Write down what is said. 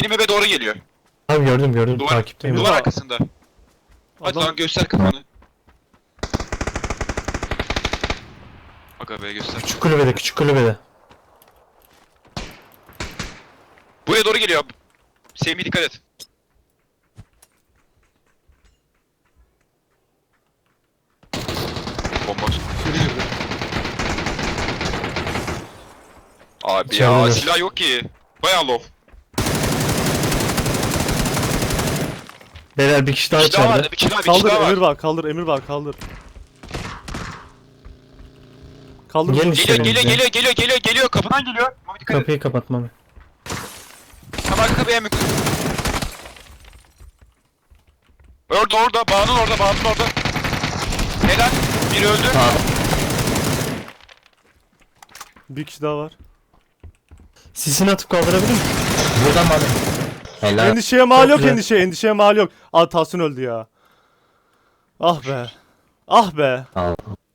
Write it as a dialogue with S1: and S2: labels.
S1: Bizim eve doğru geliyor.
S2: Abi gördüm
S1: Duvar,
S2: takipteyim.
S1: duvar arkasında. Hadi
S3: Adam-
S1: lan göster kafanı. Aga be göster.
S2: Küçük kulübede.
S1: Buraya doğru geliyor. Semih dikkat et. Bomba.
S3: İçeri girdi.
S1: Abi
S2: İçerideler.
S1: ya silah yok ki. Bayağı low.
S2: Beyler bir kişi daha
S1: Bir kişi daha
S2: içeride.
S1: vardı, bir kişi daha
S3: Kaldır
S1: var.
S3: Emir var, kaldır Emir var, kaldır. Kaldır.
S2: Gelin
S3: bunu.
S2: işte.
S1: Geliyor kapıdan geliyor. Mami dikkat et.
S2: Kapıyı kapatmam.
S1: Tam arka kapıya mı? Orada bağının orada. Helal. Biri öldü.
S3: Bir kişi daha var.
S2: Sisini atıp kaldırabilir misin?
S4: Buradan mı abi? Helal.
S3: Endişeye mal
S2: Çok
S3: yok,
S2: güzel.
S3: endişeye mal yok. Aa Tahsin öldü ya. Ah be. Ah be.
S4: Al.